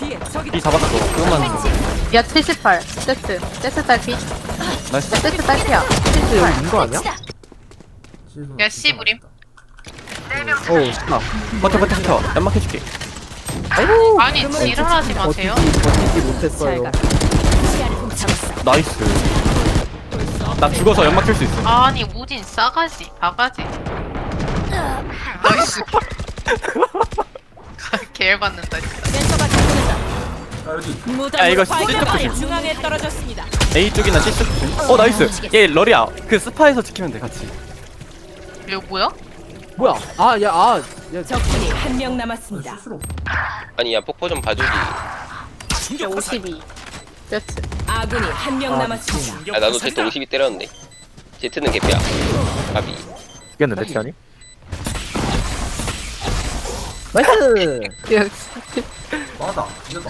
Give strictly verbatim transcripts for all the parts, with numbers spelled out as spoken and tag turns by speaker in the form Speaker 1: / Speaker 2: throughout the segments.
Speaker 1: B 잡았어. 그것만.
Speaker 2: 야 칠십팔 세트 세트 딸피
Speaker 1: 나이스.
Speaker 2: 세트 딸피야
Speaker 3: 여기 있는 거 아니야?
Speaker 4: 야 씨 무림.
Speaker 3: 오 신나.
Speaker 1: 버텨 버텨 버텨. 연막 해줄게.
Speaker 3: 아이고
Speaker 4: 아니 지랄하지 마세요.
Speaker 3: 버티지 버티지 못했어요.
Speaker 1: 나이스. 나 죽어서 연막 킬 수 있어.
Speaker 4: 아니 우진 싸가지 바가지. 나이스. 개열받는다 진짜.
Speaker 1: 야 이거 C 쪽
Speaker 5: 중앙에 떨어졌습니다.
Speaker 1: A 쪽이나 C 쪽 조심. 어 나이스. 얘 럴이야. 그 스파에서 지키면 돼 같이.
Speaker 4: 이거 뭐야?
Speaker 3: 뭐야? 아 야 아. 야
Speaker 5: 적군이 한 명 남았습니다.
Speaker 6: 아니 야 폭포 좀 봐주지.
Speaker 2: 오십이 세트
Speaker 5: 아군이 한 명 남았습니다.
Speaker 6: 아 나도 제트 오십이 때렸는데. 제트는 개피야. 가비.
Speaker 3: 이겼는데 티아니? 나이스.
Speaker 2: 역시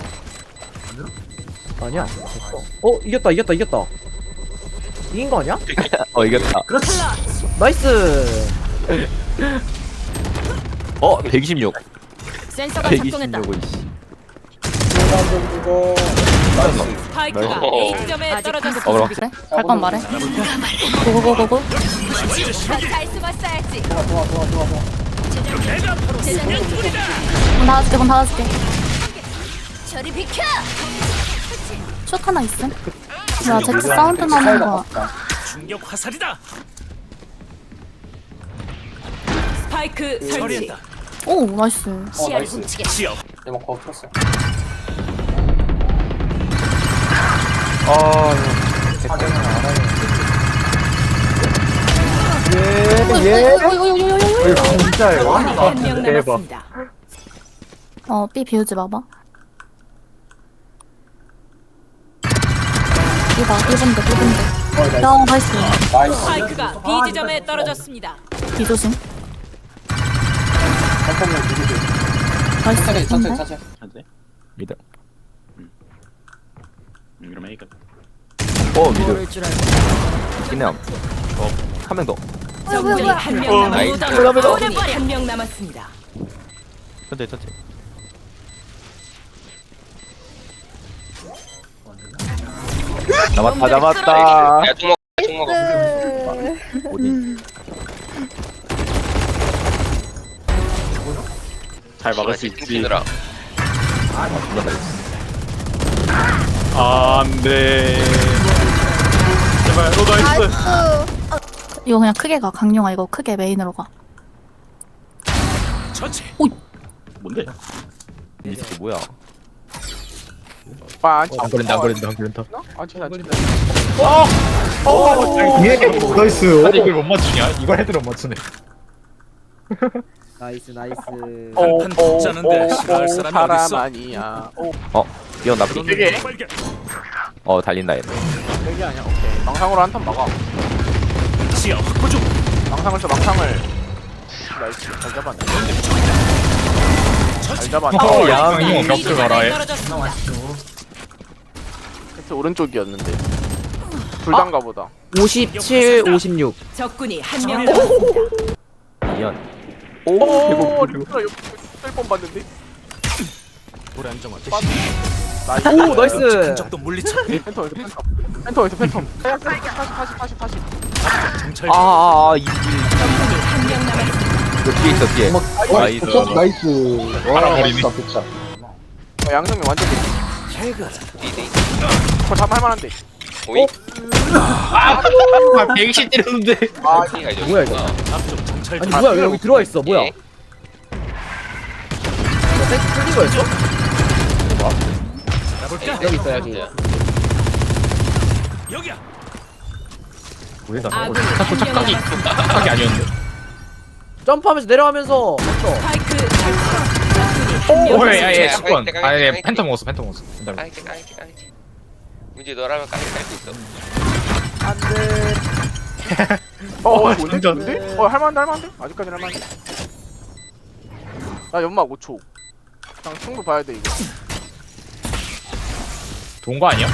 Speaker 3: 아니야. 어 이겼다 이겼다 이겼다. 이긴 거 아니야?
Speaker 1: 어 이겼다.
Speaker 3: 나이스.
Speaker 1: 어 백이십육.
Speaker 5: 센서가 작동했다.
Speaker 1: 백이십육을 씨.
Speaker 5: 스파이크가
Speaker 6: 어.
Speaker 5: A 지점에 떨어졌습니다.
Speaker 1: 어그로.
Speaker 2: 그래? 할 건 말해 고고고고고
Speaker 5: 잘 숨었어야지.
Speaker 2: 문 닫아줄게 문 닫아줄게
Speaker 5: 저리 비켜.
Speaker 2: 숏 하나 있음 야 제트 사운드 나는 거
Speaker 7: 충격 화살이다.
Speaker 5: 스파이크 설치.
Speaker 2: 오 나이스
Speaker 5: 시야를 훔치게.
Speaker 7: 지역
Speaker 3: 진짜예요.
Speaker 5: 한 명 남았습니다.
Speaker 2: 어 B 비우지 마봐 B다 B본데 B본데 야 나이스
Speaker 5: 스파이크가 B 지점에 떨어졌습니다.
Speaker 2: B 조심 나이스 B인데?
Speaker 1: 안돼. 미드.
Speaker 7: 이러면 이거
Speaker 1: 어 미드. 기념. 어한 명 더.
Speaker 5: 적군이 한 명
Speaker 6: 나이스.
Speaker 5: 남았습니다. 적군이 한 명 남았습니다.
Speaker 1: 천천히 천천히. 잡았다 잡았다.
Speaker 6: 야 총 먹어. 총 먹어.
Speaker 1: 어디? 잘 막을 수 있지.
Speaker 6: 팀들아.
Speaker 1: 안돼. 제발 너 나이스.
Speaker 2: 이거 그냥 크게 가 강용아 이거 크게 메인으로 가
Speaker 7: 처치.
Speaker 1: 뭔데? 이 새끼 뭐야?
Speaker 3: 안
Speaker 1: 걸린다 안 걸린다 안 걸린다.
Speaker 8: 예, 나이스.
Speaker 7: 아니 이걸 못 맞추냐? 이걸 헤드로 못 맞추네.
Speaker 3: 나이스 나이스.
Speaker 7: 한판 붙자는데 싫어할 사람이 어딨어?
Speaker 3: 아니야.
Speaker 1: 어 이건 나쁘.
Speaker 7: 되게
Speaker 1: 어 달린다 얘.
Speaker 3: 되게 아니야. 오케이. 망상으로 한 턴 막아.
Speaker 7: 지역 확보 중.
Speaker 3: 망상을 써 망상을. 나이스 잘 잡았네. 잘 잡았네.
Speaker 1: 어, 야,
Speaker 5: 스파이크가
Speaker 7: 이거
Speaker 5: B
Speaker 7: 벽돌
Speaker 5: 지점에
Speaker 7: 가라, 얘.
Speaker 5: 떨어졌습니다.
Speaker 3: 세트 오른쪽이었는데. 불단가 보다. 오십칠, 오십육.
Speaker 5: 적군이 한 명 남았습니다.
Speaker 1: 미연.
Speaker 3: 오,
Speaker 1: 오
Speaker 3: 리프라 옆에 셀폰 봤는데.
Speaker 7: 불안정화
Speaker 3: 나이스. 오, 나이스.
Speaker 7: 흔적도 물리쳐.
Speaker 3: 펜터에서 펜텀. 펜터에서 펜텀. 다시 다시 다시 다시.
Speaker 7: 정찰.
Speaker 1: 아아아 이
Speaker 5: 적군이 한 명 남았습니다.
Speaker 1: 그 뒤에 있어 뒤에. 나이스.
Speaker 8: 나이스. 와,
Speaker 7: 바라버리네.
Speaker 8: 좋다, 좋다.
Speaker 3: 어, 양성이 완전.
Speaker 6: 디데이.
Speaker 3: 그거 잡을 만한데.
Speaker 6: 오이.
Speaker 7: 아 백이십 때렸는데.
Speaker 3: 아,
Speaker 6: 티가 이제
Speaker 3: 뭐야, 이거?
Speaker 7: 앞쪽 정찰.
Speaker 3: 아니 뭐야 왜 여기 들어와 있어? 뭐야?
Speaker 6: 예.
Speaker 3: 셀프 틀린 거였어?
Speaker 7: 가볼까?
Speaker 3: 여기 있어 여기.
Speaker 6: 진짜.
Speaker 7: 여기야.
Speaker 1: 뭐야
Speaker 5: 아군이 한 명 남았습니다.
Speaker 7: 착각이 아니었는데.
Speaker 3: 점프하면서 내려가면서. 어.
Speaker 5: 스파이크 설치. 적군이 한 명
Speaker 7: 오해 야얘
Speaker 6: 야,
Speaker 7: 직권.
Speaker 6: 깔게, 깔게,
Speaker 7: 아예
Speaker 6: 깔게.
Speaker 7: 팬텀 먹었어 팬텀 먹었어. 기다려.
Speaker 6: 깔게 깔게 깔게. 문제 너라면 깔게 깔수 있어.
Speaker 3: 안돼. 어, 어,
Speaker 7: 진짜.
Speaker 3: 뭔데? 어, 할만한데, 할만한데? 아직까지 할만한데? 나 연막 오 초. 그냥 승부 봐야 돼, 이거.
Speaker 7: 좋은 거 아니야?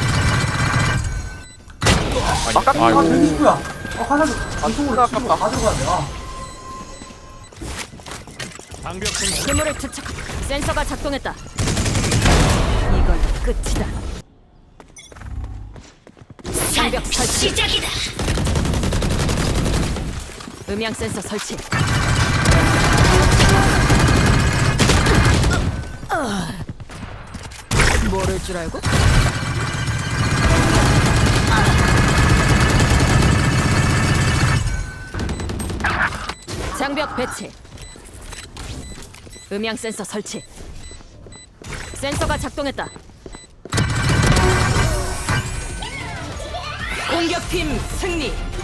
Speaker 3: 아깝다.
Speaker 7: 아이고.
Speaker 3: 아, 승부가 아깝다.
Speaker 7: 방벽 생성.
Speaker 5: 괴물을 투척. 센서가 작동했다. 이걸로 끝이다. 장벽 설치. 시작이다. 음향 센서 설치. 모를 줄 알고? 장벽 배치. 음향 센서 설치. 센서가 작동했다. 공격팀 승리.